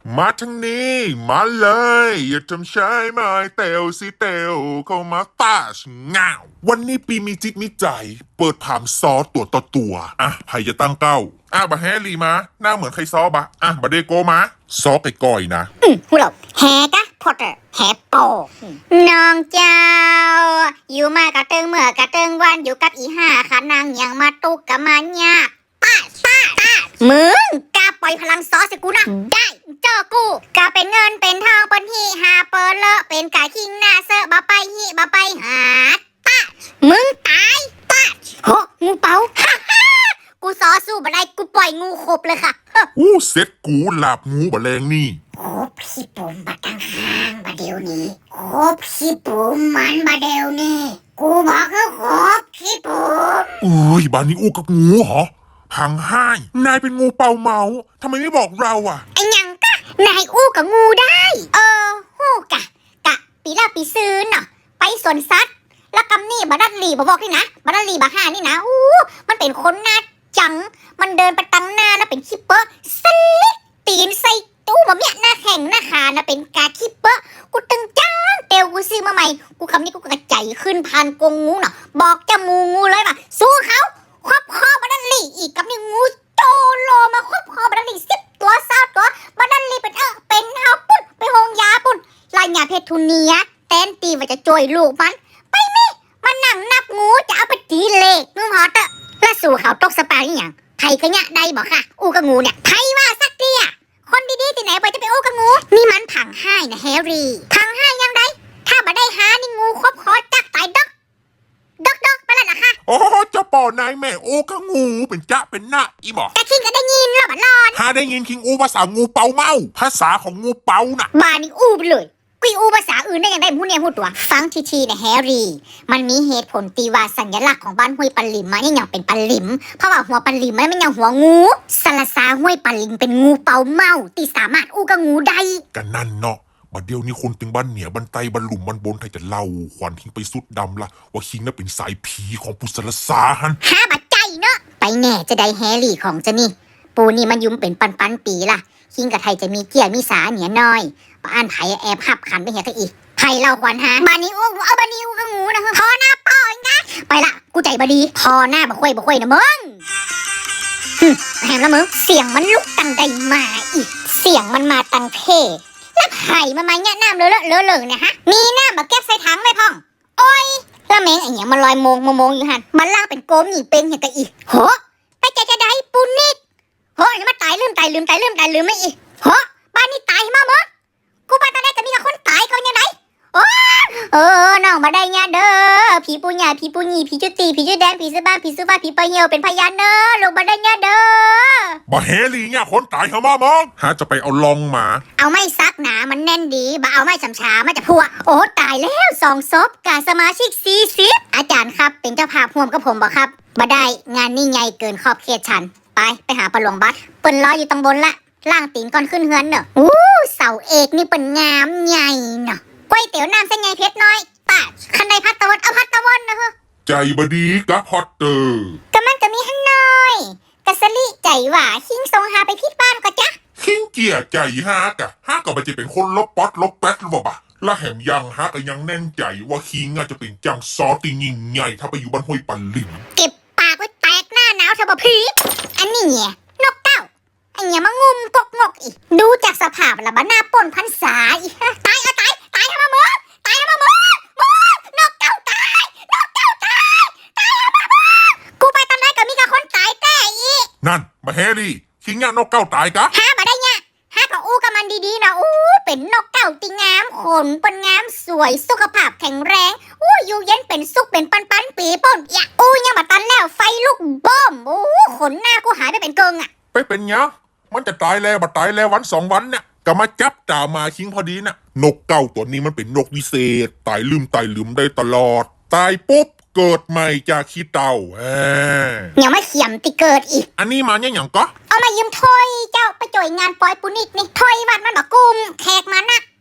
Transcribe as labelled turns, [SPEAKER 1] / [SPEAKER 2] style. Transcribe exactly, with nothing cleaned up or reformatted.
[SPEAKER 1] มาทั้งนี้มาเลยอย่าทำใช้ไม้เตวสิเตวเข้ามาตาชงาววันนี้ปีมีจิตมีใจเปิดถามซอตัวต่อตัวอ่ะไผ่จะตั้งเก้าอ่ะบะแฮรีมาหน้าเหมือนใครซอบะอ่ะบะเดโกมาซอไปก่อยนะ
[SPEAKER 2] อืมหูเราแฮกะพอตเตอร์แฮโปน้องเจ้าอยู่มากะเติงเมื่อกะเติงวันอยู่กับอีห้าขานางยังมาตุกกะมาญาป้าป้าป้ามึงกาปล่อยพลังซอสกูนะได้เจอกูกาเป็นเงินเป็นทองเป็นฮีหาเปิดเลอะเป็นกาคิงหน้าเซอะบะไปฮีบะไปหาป้ามึงตายป้าโหงูเป๋าฮ่าฮ่ากูซอสู้บ่ได้กูปล่อยงูขบเลยค่ะ
[SPEAKER 1] อู้เซ็ตกูหลาบงูบะแรงนี่
[SPEAKER 2] โอ้พี่ปุ่มบัดตั้งห้างบะเดียวนี้โอ้พี่ปุ่มมันบะเดียวนี้กูบอกคือโอ้พี่ปุ่ม
[SPEAKER 1] อุ้ยบ้านนี้อู้กับงูเหรอพังห้ายนายเป็นงูเป่าเมาทำไมไม่บอกเราอ่ะ
[SPEAKER 2] ไอ้ยังกะนายอู้กับงูได้เออฮู้กะกะปีละปีซื้อเนาะไปสวนสัตว์แล้วกำนี่บะดัดลีบบอกนี่นะบะดัดลีบะห้านี่นะอู้มันเป็นคนหน้าจังมันเดินไปตั้งหน้านะเป็นคิปเปอร์สลิดตีนใส่ตู้บะเมียหน้าแข็งหน้าขานะเป็นกาคิปเปอร์กูตึงจ้างเตวกูซื้อมาใหม่กูคำนี้กูกระใจขึ้นพันกงงูเนาะบอกจะมูงูเลยป่ะสู้เขาครอบคอบะดัดลีอีกกับนี่งูโจโลมาครอบคอบะดัดลีสิบตัวสาวตัวบะดัดลีเป็นเออเป็นเฮาปุ่นไปโฮงยาปุ่นลายยาเพชรทุเนียแตนตีว่าจะจ่วยลูกมันไปมิมันนั่งนับงูจะเอาไปตีเลขมึงฮอตอะแล้วสู่เขาตกสปาอย่างไทยก็เนี่ยได้บอกค่ะอูกับงูเนี่ยไทยว่าสักเดียคนดีๆที่ไหนไปจะไปอูกับงูนี่มันผังให้นะแฮร์รี่ผังให้ยังไงถ้าบ่ได้หานี่งูครบคอจักตายดอกดอกดอกไปแล้วนะคะ
[SPEAKER 1] โอ้เจ้าป่อนายแม่โอ้กับงูเป็นจ้าเป็นหน้าอีบอก
[SPEAKER 2] แต่คิงก็ได้ยินแล้วบัดรอน
[SPEAKER 1] ถ้าได้ยินคิงอูภาษางูเป่าเมาภาษาของงูเป่าน่ะ
[SPEAKER 2] บ้านี่อูไปเลยกุยอูภาษาอื่นได้ยังได้พูดเนี่ยพูดตัวฟังทีๆนะแฮร์รี่มันมีเหตุผลตีว่าสัญลักษณ์ของบ้านห้วยปันลิมมาเนี่ยยังเป็นปันลิมเพราะว่าหัวปันลิมมันไม่ยังหัวงูสละซาห้วยปันลิมเป็นงูเป่าเมาที่สามารถอู้กับงูได้
[SPEAKER 1] กันนั่นเนาะบัดเดียวนี้คนตึงบ้านเหนียบันไตบันหลุมบันบนไทยจะเล่าขวัญคิงไปสุดดำละว่าคิงน่ะเป็นสายผีของปุสลสาฮัน
[SPEAKER 2] ห้าบัดใจเนาะไปแน่จะได้แฮร์รี่ของจะนี่ปูนี่มันยุ่มเป็นปันปันปีล่ะคิงกับไทยจะมีเกียร์มีสาเหนียน้อยป้าอันไผ่แอบขับขันไปเหียก็อีกไผ่เราขวัญฮะบานิวเอาบานิวกับงูนะพอหน้าปอยนะไปละกูใจบดีพอหน้าบ่ค่อยบ่ค่อยนะมึงแหมละมึงเสียงมันลุกตังใดมาอีกเสียงมันมาตังเพแล้วไผ่มามาเนี่ยน้ำเลอะเลอะเลอะเนี่ยฮะมีน้ำมาเก็บใส่ถังไหมพ่องโอ้ยแล้วแมงไอ้เนี่ยมันลอยโมงโมงอยู่หันมันล่างเป็นโกมหนีเป็นเหียก็อีกโหไปใจจะได้ปูนิดโหอย่ามาตายลืมตายลืมตายลืมตายลืมไม่อีกโหบ้านนี้ตายมาเมื่อกูบ้านตอนแรกจะมีแต่คนตายเขายังไงโอ้เออน้องมาได้เนี่ยเด้อผีปูหยาผีปูหยีผีจุตีผีจุแดงผีซื้อบ้านผีซื้อบ้านผีปลาเหี่ยวเป็นพยานเนอะลงมาได้เนี่ยเด้อ
[SPEAKER 1] บ่เฮลีเนี่ยคนตายเขามามองหาจะไปเอาลองมา
[SPEAKER 2] เอาไม่ซักหนามันแน่นดีบ่เอาไม่ฉ่ำช้ามาจะพัวโอ้ตายแล้วสองศพกาสมาชิกสี่สิบอาจารย์ครับเป็นเจ้าภาพร่วมกับผมบ่ครับบ่ได้งานนี่ใหญ่เกินขอบเขตฉันไปไปหาปลาหลวงบัดเปิ้นรออยู่ตรงบนละล่างตีนก่อนขึ้นเฮือนเนอะอู้เสาเอกนี่เป็นงามใหญ่เนอะก๋วยเตี๋ยวน้ำเส้นใหญ่เพชรน้อยป้าคันใดพัดตะวันเอาพัดตะวันนะฮะ
[SPEAKER 1] ใจบดีกะพอตเตอร์
[SPEAKER 2] ก็มันจะมีหั่นน้อยกะสลิใจหว่าคิงทรงหาไปพิษบ้านก็จ๊ะ
[SPEAKER 1] คิงเกียใจฮากะฮากะมันจะเป็นคนลบป๊อตลบแป๊ดหรือเปล่าปะและแหมยังฮากะยังแน่นใจว่าคิงอาจจะเป็นจังซอติยิ่งใหญ่ถ้าไปอยู่บ้านห้วยปันลิม
[SPEAKER 2] เก็บปากไว้แตกหน้าหนาวเถอะบ่พีอันนี้เนี่ยนกเต้าไอ้เนี่ยมางุมกกงกอีกดูจากสภาพละบ้าหน้าป่นพันษาอีตายเอาตายตายทำมาเมื่อตายทำมาเมื่อเมื่อนกเต้าตายนกเต้าตายตายทำมาเมื่อกูไปตอนไหนก็มีกับคนตายแต่อี
[SPEAKER 1] นั่นมาเฮลี่คิงเนี่ยนกเก้าตายกะ
[SPEAKER 2] ฮะมาได้เนี่ยฮะก็อู้กับมันดีๆนะอู้เป็นนกเต้าติงามขนเป็นงามสวยสุขภาพแข็งแรงอู้อยู่เย็นเป็นสุขเป็นปันปันปีป่นอย่าอู้ยังมาตันแล้วไฟลุกบ้มอู้ขนหน้ากูหายไปเป็นเกิงอ่ะ
[SPEAKER 1] ไปเป็นเนี้ยมันจะตายแล้วบัดตายแล้ววันสองวันเนี่ยก็มาจับจ่ามาคิงพอดีน่ะนกเก้าตัวนี้มันเป็นนกวิเศษตายลืมตายลืมได้ตลอดตายปุ๊บเกิดใหม่จากขี้เต่าแหม
[SPEAKER 2] ยังไม่เขียมติเกิดอีก
[SPEAKER 1] อันนี้มาเนี่ยอย่างก็
[SPEAKER 2] เอามายืมถ้วยเจ้าไปจ่อยงานปอยปุนิดนี่ถ้วยวัดมันบอกกุมแขกมานัก